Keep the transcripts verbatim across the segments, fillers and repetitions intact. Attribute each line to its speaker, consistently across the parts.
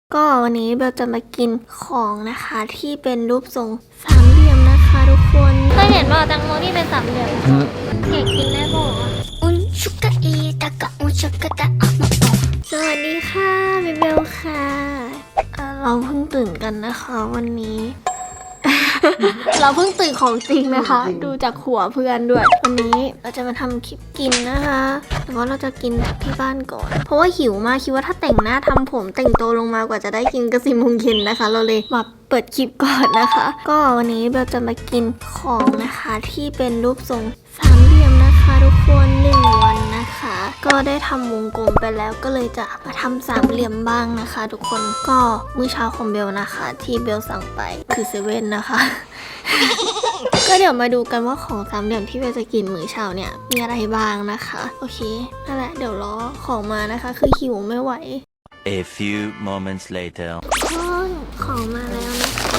Speaker 1: ก็วันนี้เบลจะมากินของนะคะที่เป็นรูปทรงสามเหลี่ยมนะคะทุกคนเคยเห็นว่าแตงโมที่เป็นสามเหลี่ยมอยากกินได้บ่อุนชุกะอีตะกะอุนชุกะตะสวัสดีค่ะบิเบลค่ะเราเพิ่งตื่นกันนะคะวันนี้ เราเพิ่งตื่นของจริงนะคะ ดูจากหัวเพื่อนด้วยวันนี้เราจะมาทำคลิปกินนะคะแต่ว่าเราจะกินที่บ้านก่อนเพราะว่าหิวมากคิดว่าถ้าแต่งหน้าทำผมแต่งตัวลงมากว่าจะได้กินกระสิมงเย็นนะคะ เราเลยมาเปิดคลิปก่อนนะคะ ก็วันนี้เราจะมากินของนะคะที่เป็นรูปทรงสามเหลี่ยมนะคะทุกคนหนึ่งวันนะคะก็ได้ทำวงกลมไปแล้วก็เลยจะมาทำสามเหลี่ยมบ้างนะคะ ทุกคนก็มื้อเช้าของเบลนะคะที่เบลสั่งไปคือเซเว่นนะคะ ก็เดี๋ยวมาดูกันว่าของสามเหลี่ยมที่เบลจะกินมื้อเช้าเนี่ยมีอะไรบ้างนะคะโอเคนั่นแหละเดี๋ยวรอของมานะคะคือหิวไม่ไหว
Speaker 2: A few moments later
Speaker 1: คนของมาแล้วนะคะ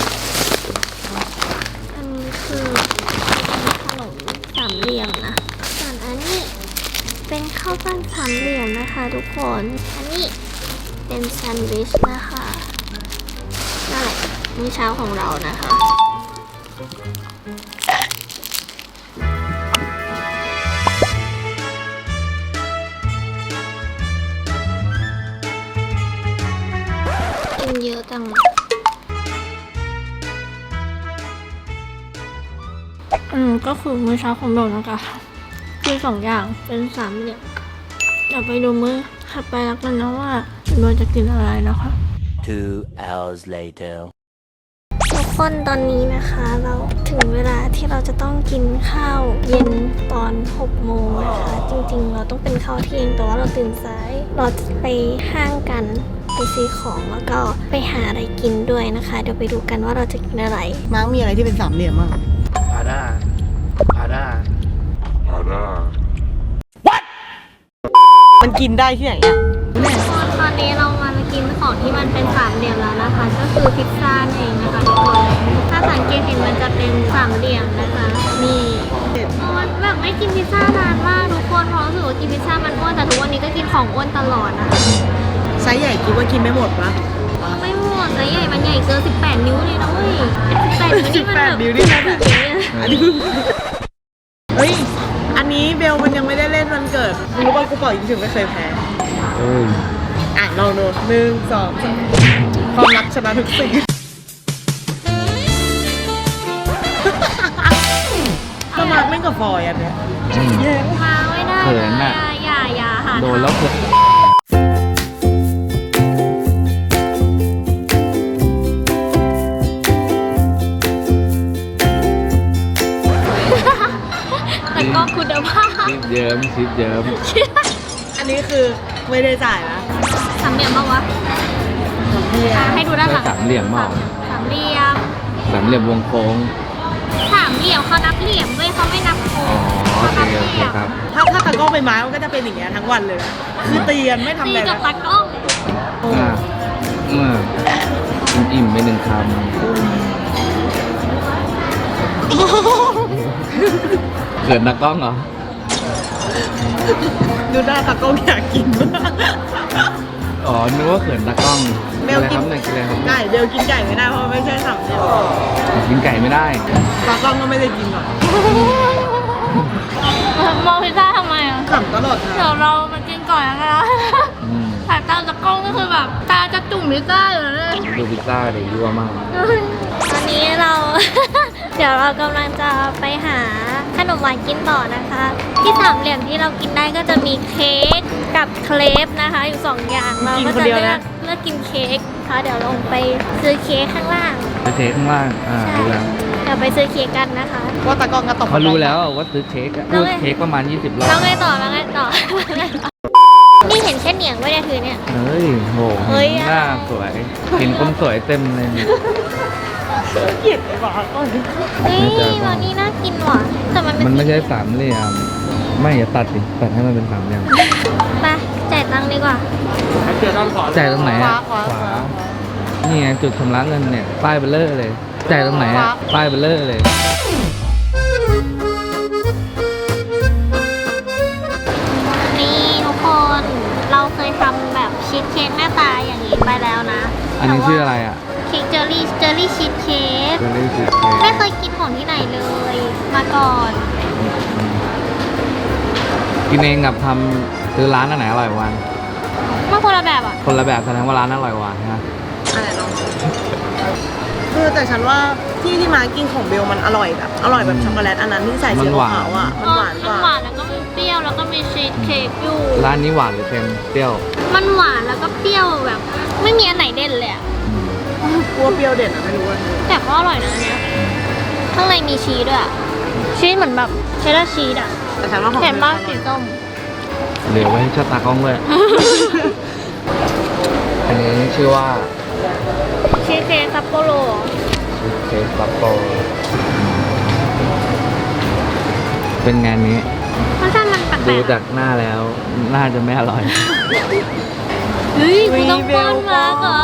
Speaker 1: อันนี้คือขนมสามเหลี่ยมนะส่วนอันนี้เป็นข้าวปั้นสามเหลี่ยมนะคะทุกคนอันนี้เป็นแซนด์วิชนะคะนั่นแหละมื้อเช้าของเรานะคะกินเยอะจังอืมก็คือมื้อเช้าของเรานะคะคือสองอย่างเป็นสามเหลี่ยมเดี๋ยวไปดูมื้อถัดไปแล้วกันนะว่าเราจะกินอะไรนะคะ
Speaker 2: Two hours later
Speaker 1: ทุกคนตอนนี้นะคะเราถึงเวลาที่เราจะต้องกินข้าวเย็นตอนหกโมงนะคะจริงๆเราต้องเป็นข้าวเที่ยงแต่ว่าเราตื่นสายเราจะไปห้างกันไปซื้อของแล้วก็ไปหาอะไรกินด้วยนะคะเดี๋ยวไปดูกันว่าเราจะกินอะไร
Speaker 3: มาร์กมีอะไรที่เป็นสามเหลี่ยมบ้าง
Speaker 4: พาด้า พาด้า พาด้า
Speaker 3: มันกินได้ที่ไหนอ่ะ
Speaker 1: ตอนนี้เรามากินของที่มันเป็นสามเหลี่ยมแล้วนะคะก็คือพิซซ่าเองนะคะทุกคนถ้าสังเกตเห็นมันจะเป็นสามเหลี่ยมนะคะนี่มันแบบไม่กินพิซซ่านานมากทุกคนเพราะรู้สึกว่ากินพิซซ่ามันอ้วนแต่ทุกวันนี้ก็กินของอ้วนตลอดนะคะ
Speaker 3: ไซส์ใหญ่คิดว่ากินไม่หมดปะ
Speaker 1: ไม่หมดไซส์ใหญ่มันใหญ่เกินสิบแปดนิ้วเลยนะเว้ยสิบแปดนิ้วนี่มันแบบ
Speaker 3: นิ้วนี่นะ
Speaker 1: ถูกเลย
Speaker 3: อันนี้เฮ้ย อันนี้เบลมันยังไม่ได้เล่นวันเกิดรู้ป่ะกูเป่ายิงถึงไม่เคยแพ้อ่ะลองดูหนึ่งสองสามความรักชนะทุกสิ่งก็มาร์กเล่นกับฟอยอันเนี้ย
Speaker 1: มาไม่ได้
Speaker 4: เขิน
Speaker 1: นะ
Speaker 4: น่ะ
Speaker 1: อย่าอย่าหา
Speaker 4: โดนแล้วเขิน
Speaker 1: แต่ก็คุณภาพ
Speaker 4: ชิปเยิ้มชิปเยิ้ม
Speaker 3: อันนี้คือไม่ได้จ่ายนะ
Speaker 1: สามเหลี่ยมบ้างวะอ่ะให้ดูด้านหลัง
Speaker 4: สามเหลี่ยมเปล่า
Speaker 1: สามเหลี่ยม
Speaker 4: สามเหลี่ยมวงโค้ง
Speaker 1: สามเหลี่ยมเขานับเหลี่ยมเว้ยเขาไม่นับโค้
Speaker 4: อ๋อง โอ
Speaker 1: เขา
Speaker 4: เค
Speaker 1: นับ
Speaker 4: โอ
Speaker 1: เห
Speaker 4: เค
Speaker 1: ลี่ยม
Speaker 4: ครับ
Speaker 3: ถ้าถ้าตะกล้องเป็นไม้มันก็จะเป็นอย่างเงี้ยทั้งวันเลยนะคือตีกันไม่ทำ
Speaker 1: ตี
Speaker 3: อะไร
Speaker 1: กับ
Speaker 3: นะ
Speaker 1: ตากล้อง
Speaker 4: อ่าอ่าอิ่มไปหนึ่งคำเขินนักกล้องเหรอ
Speaker 3: ดูหน้าตะกล้องอยากกินมาก
Speaker 4: อ๋อ นึกว่าเขินนักกล้อง
Speaker 3: เบ
Speaker 4: กิน
Speaker 3: ล
Speaker 4: อะไร
Speaker 3: กิ
Speaker 4: คน รับเนี่ยกินอะไรครับ
Speaker 3: ไก่เบลกินไก่ไม่ได้เพราะมันไม่ใช่สามเหลี่ยม
Speaker 4: กินไก่ไม่ได้
Speaker 3: ตากล้องก็ไม่ได้กินหรอก
Speaker 1: มองพิซซ่าทำไมอ่ะ
Speaker 3: ขำตลอด
Speaker 1: เดี๋ย
Speaker 3: นะ
Speaker 1: วเรามากินก่อนนะคะ
Speaker 4: อืม
Speaker 1: สายตาตากล้องก็คือแบบตาจะจุ่มพิซซ่าอยู่เลย
Speaker 4: ดูพิซซ่าเด็กยั่วมาก
Speaker 1: ตอนนี้เรา เดี๋ยวเรากำลังจะไปหาขนมหวานกินต่อนะคะ ที่สามเหลี่ยมที่เรากินได้ก็จะมีเค้กกับเครปนะคะ อยู่สองอย่างเราก็จะเลือกเลือกกินเค้กค่ะเดี๋ยวลงไปซื้อเค้กข้างล่าง
Speaker 4: ไปเทข้างล่าง อ่า
Speaker 1: ใช่
Speaker 4: รู้แล้ว
Speaker 1: เดี๋ยวไปซื้อเค้กกันนะคะ
Speaker 3: ว่าตากล้องก็ตบ
Speaker 4: เขารู้แล้วว่าซื้อเค้กอะ
Speaker 1: แล้ว
Speaker 4: พูด
Speaker 1: ไง
Speaker 4: เค้กประมาณยี่สิบรอบ
Speaker 1: แล้วไงต่อแล้วไงต่อ นี่เห็นแค่เหนียงไม่ได้ถือเนี่ย
Speaker 4: เฮ้ยโห
Speaker 1: เฮ้ย
Speaker 4: หน้าสวยกินคนสวยเต็มเลยเนี่ย
Speaker 3: เกลียดไอ้บ้าก็
Speaker 1: เฮ้ยตอนนี้น่ากินว่ะแต่มันเป็น
Speaker 4: มันไม่ใช่สามเหลี่ยม ไม่อย่าตัดดิตัดให้มันเป็นสามเหลี่ยม
Speaker 1: ไปจ่ายตังค์ดีกว่า
Speaker 4: จ่ายตรงไหนอะขวา นี่ไงจุดชำระเงินเนี่ย ป้ายเบลเลอร์เลย จ่ายตรงไหนอะป้ายเบลเลอร์เลย
Speaker 1: นี่ทุกคนเราเคยทำแบบชีสเค้กหน้าตาอย่างนี้ไปแล้วนะ
Speaker 4: อันนี้ชื่ออะไรอ่ะ
Speaker 1: เค้กเจอรี่เจอรี่ชีสเค้ก
Speaker 4: เจลลี่ชีสเค้
Speaker 1: ไม่
Speaker 4: ก
Speaker 1: เคยกินของที่ไหนเลย มาก่อน
Speaker 4: กินเองกับทำซื้อร้านอันไหนอร่อยกว่ากัน
Speaker 1: มันคนละแบบอ่ะ
Speaker 4: คนละแบบแสดงว่าร้านอร่อยกว่านะ
Speaker 3: อะไรลองคือแต่ฉันว่าที่ที่มากินของเบลมันอร่อยแบบอร่อยแบบช็อกโกแลตอันนั้นที่ใส่สีขาวๆอ่ะมันหวานก
Speaker 1: มัน
Speaker 3: ว่า
Speaker 1: หวานแล้วก็มีเปรี้ยวแล้วก็มีชีสเค้กอยู่
Speaker 4: ร้านนี้หวานหรือเค็มเปรี้ยว
Speaker 1: มันหวานแล้วก็เปรี้ยวแบบ ไม่มีอันไหนเด่นเลยอะ
Speaker 3: กลัวเปรี้ยวเด็ดอ่ะไม่รู้ว่า
Speaker 1: แต่ก็อร่อยนะอันเนี้ยข้างในมีชีสด้วยอะชีสเหมือนแบบเชดดาร์ชีสอะ
Speaker 3: แต่ฉันว่าของ
Speaker 1: เห็น
Speaker 3: บล
Speaker 1: บ้า
Speaker 3: อร่
Speaker 1: สี
Speaker 3: อย
Speaker 1: ส้ม
Speaker 4: เหลือไว้ให้ชาตากล้องเลย อันนี้ชื่อว่า
Speaker 1: ชีสเค้กซัปโปโร
Speaker 4: ชีสเค้กซัปโปเป็นงานนี้
Speaker 1: รสชาติมันแปล
Speaker 4: ดู
Speaker 1: กๆ
Speaker 4: จากหน้าแล้ว น่าจะไม่อร่อย
Speaker 1: เฮ้ยกูต้องป้อนมาเหรอ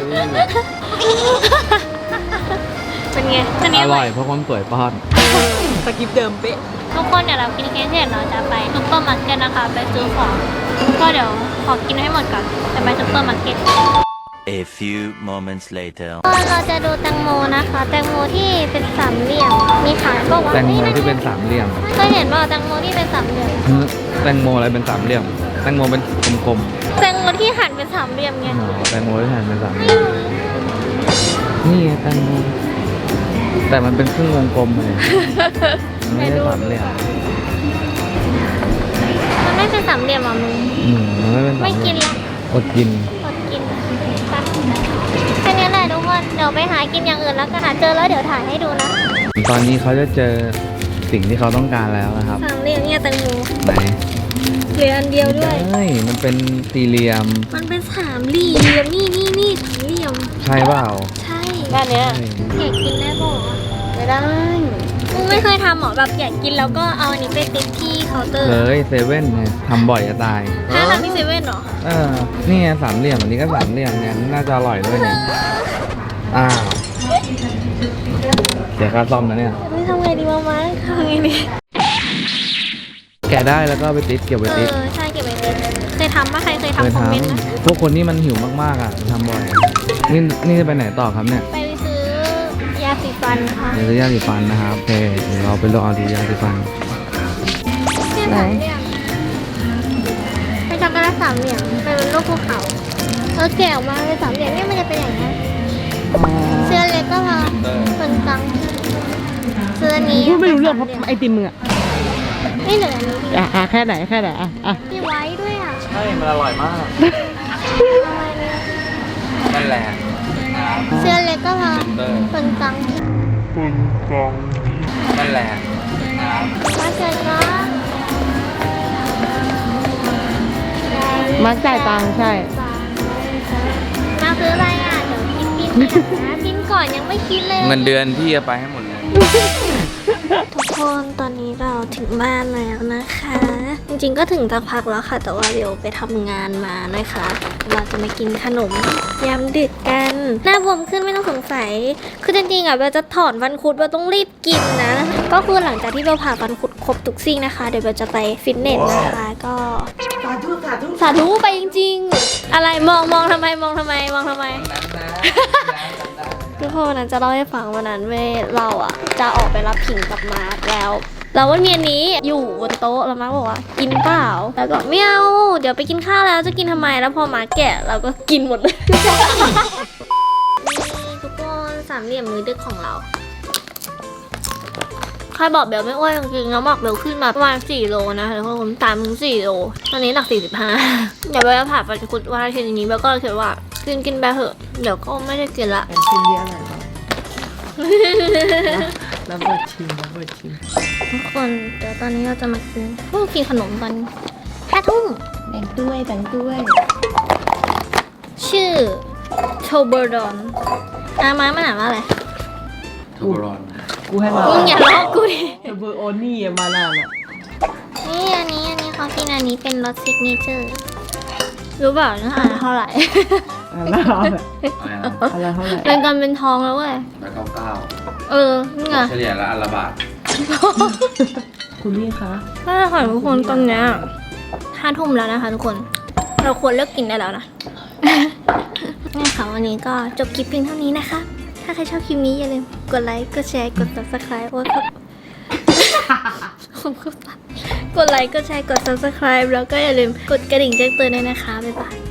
Speaker 1: เป็นไงอันนี้
Speaker 4: อร่อยเพราะความสวยป้อน
Speaker 3: สกิปเดิมเป๊ะ
Speaker 1: ทุกคนเดี๋ยวเรากินเค้กเสร็จเราจะไปซุปเปอร์มาร์เก็ตนะคะ ไปซื้อของ ก็เดี๋ยวขอกินให้หมดก่อนจะไปซุปเปอร์มาร์เก็ต
Speaker 2: A few moments later.
Speaker 1: เราจะดูแตงโมนะคะ แตงโมที่เป็นสามเหลี่ยม มีขายบอกว่า
Speaker 4: แตงโม
Speaker 1: ฮ้ย
Speaker 4: ที่เป็นสามเหลี่ยม
Speaker 1: เคยเห็นว่าแตงโมที่เป็นสามเหลี่ยม
Speaker 4: ฮึแตงโมอะไรเป็นสามเหลี่ยม แตงโมเป็นกลม
Speaker 1: แตงโมที่หั่นเป็นสามเหลี่ยมไง
Speaker 4: ๆอ๋อแตงโมที่หั่นเป็นสามเหลี่ยม นี่ไงแตงโม แต่มันเป็นครึ่งวงกลมเลยมันไม่ใช่สามเหลี่ยม
Speaker 1: มันไม่เป็นสามเหลี่ยมอ่ะมึง
Speaker 4: อืมมันไม่เป็นสาม
Speaker 1: ไม่
Speaker 4: เห
Speaker 1: กิ
Speaker 4: ลี่ย
Speaker 1: น
Speaker 4: ม
Speaker 1: ละ
Speaker 4: อดกิน
Speaker 1: อดกินไปแค่นี้แหละทุกคน เดี๋ยวไปหากินอย่างอื่นแล้วกันหาเจอแล้วเดี๋ยวถ่ายให้ดูนะ
Speaker 4: ตอนนี้เขาจะเจอสิ่งที่เขาต้องการแล้วนะครับ
Speaker 1: สามเหลี่ยมเนี่ยแตงโม
Speaker 4: ไหน
Speaker 1: เหลืออันเดียวด้วย
Speaker 4: ใช่มันเป็นสี่เหลี่ยม
Speaker 1: มันเป็นสามเหลี่ยม นี่นี่นี่สามเหลี่ยม
Speaker 4: ใช่เปล่า
Speaker 1: ใช่
Speaker 3: ด้านเนี้ย
Speaker 1: อยากกินได้บอก
Speaker 3: ไม่ได้
Speaker 1: มึงไม่เคยทำหรอแบบอยากกินแล้วก็เอาอันนี้ไปติดที่เคาน์เตอร์
Speaker 4: เลยเซเว่นเนี่ยทำบ่อยจะตาย
Speaker 1: ถ้าทำที่เซเว่นเหรอ
Speaker 4: เออ นี่ไงสามเหลี่ยมอันนี้ก็สามเหลี่ยมเนี่ยน่าจะอร่อยด้วยเนี่ย อ้าวเดี๋ยวค่าซ่อมนะเนี่ย
Speaker 1: ไม่ทำไงดีมามาทำไงดี
Speaker 4: แกะได้แล้วก็เอาไปติดเก็บไว้
Speaker 1: เอ
Speaker 4: ติด
Speaker 1: อใช่เก็บไว้ติดเคยทำปะใครเคย
Speaker 4: เคย
Speaker 1: ทำคอมเมนต์นะ
Speaker 4: ทำพวกคนที่มันหิวมากๆอ่ะทำบ่อย นี่นี่จะไปไหนต่อครับเนี่ย
Speaker 1: ไปซื้อยาสีฟันค่ะ
Speaker 4: เดี๋ยวจะย่างสีฟันนะครับโอเคเดี๋ยวเราไปลองเอาดีย่างสีฟัน
Speaker 1: เนี่ยสามเหลี่ยมเป็นช็อกโกแลตสามเหลี่ยมเป็นรูปภูเขาเออแกะออกมาเป็นสามเหลี่ยมเนี่ยมันจะเป็นอย่างนี้ยเสื้อเล็กก็พอส่วนกลางเสื้อนี้
Speaker 3: พูดไม่รู้เรื่องเพราะไอติมมึงอ่ะ
Speaker 1: ไม่เหลืออันนี้ดิ
Speaker 3: อ่ะอ่ะแค่ไหนแค่ไหนอ่ะอ่ะ
Speaker 1: มีไว้ด้วยอ่ะ
Speaker 4: ใช่ มันอร่อยมาก
Speaker 1: อะไรเนี่ย
Speaker 4: นั่นแหละ
Speaker 1: เสื้อเล็กก็พอส่วนกลาง
Speaker 4: นั่นแหละ
Speaker 1: มาเชิญนะ
Speaker 3: มาจ่ายตังค์ใช่
Speaker 1: มาซื้ออะไรอ่ะ เดี๋ยวกินกินก่อนนะกินก่อนยังไม่คิดเลย
Speaker 4: เงินเดือนพี่จะไปให้หมดเลย
Speaker 1: ทุกคนตอนนี้เราถึงบ้านแล้วนะคะ จริงๆก็ถึงสักพักแล้วค่ะ แต่ว่าเดี๋ยวไปทำงานมานะคะ เราจะมากินขนมยามดึกกัน หน้าบวมขึ้นไม่ต้องสงสัย คือจริงๆอ่ะเบลจะถอนฟันคุดเบลต้องรีบกินนะ ก็คือหลังจากที่เบลผ่าฟันคุดครบทุกซี่นะคะ เดี๋ยวเบลจะไปฟิตเนสนะคะ ก็
Speaker 3: สาธุสาธุ
Speaker 1: สาธุไปจริงๆ อะไรมองมองทำไมมองทำไมมองทำไม ทุกคนนะจะเล่าให้ฟังวันนั้นเว้ยเราอะจะออกไปรับผิงกับมาร์คแล้วแล้ววันเมียนี้อยู่บนโต๊ะแล้วมาร์คบอกว่ากินเปล่าแล้วก็ไม่เอาเดี๋ยวไปกินข้าวแล้วจะกินทำไมแล้วพอมาร์คแกะเราก็กินหมดเลย นี่ทุกคนสามเหลี่ยมมือดึกของเราใครบอกเบลไม่อ้วนจริงๆแล้วบอกเบลขึ้นมาประมาณสี่โลนะทุกคนตามถึงสี่โลตอนนี้หนักสี่สิบห้าเดี๋ยวเบลจะผ่าฟันคุดวันอาทิตย์นี้เบลก็เลยคิดว่ากินกินไปเถอะเดี๋ยวก็ไม่ได้กินละ
Speaker 3: เป็นชิ้นเดียวอะไรบ้างแล้วเบิดชิมแล้วเบิดชิม
Speaker 1: ทุกคนเดี๋ยวตอนนี้เราจะมากินพวกกินขนมตอนห้าทุ่ม
Speaker 3: แบ่งด้วยแบ่งด้วย
Speaker 1: ชื่อโชเบอร์ดอนอามามันอ่านว่าอะไร
Speaker 4: ทูบรอน
Speaker 3: กูให้มา
Speaker 1: มึงอย่าล้อกูดิ
Speaker 3: เบอร์โอนี่มานานอ่ะ
Speaker 1: นี่อันนี้อันนี้เขากินอันนี้เป็นรสซิกเนเจอร์รู้เปล่าเนื้อหาเท่าไหร่
Speaker 3: อะไรอะไรเท่าไหร่
Speaker 1: เป็นกันเป็นทองแล้วเว้ย
Speaker 4: แล้วเก้าเก้า
Speaker 1: เออนี่ไง
Speaker 4: เฉลี่ยละอันละบาท
Speaker 3: คุณนี่คะ
Speaker 1: ถ้าค่ะทุกคนตอนเนี้ยห้าทุ่มแล้วนะคะทุกคน เราควรเลิกกินได้แล้วนะงั้นค่ะวันนี้ก็จบคลิปเพียงเท่านี้นะคะ ถ้าใครชอบคลิปนี้อย่าลืมกดไลค์ กดแชร์ กด ซับสไครบ์ โอ้ยผมก็กดไลค์ กดแชร์ กด ซับสไครบ์ แล้วก็อย่าลืมกดกระดิ่งแจ้งเตือนด้วยนะคะ บ๊ายบาย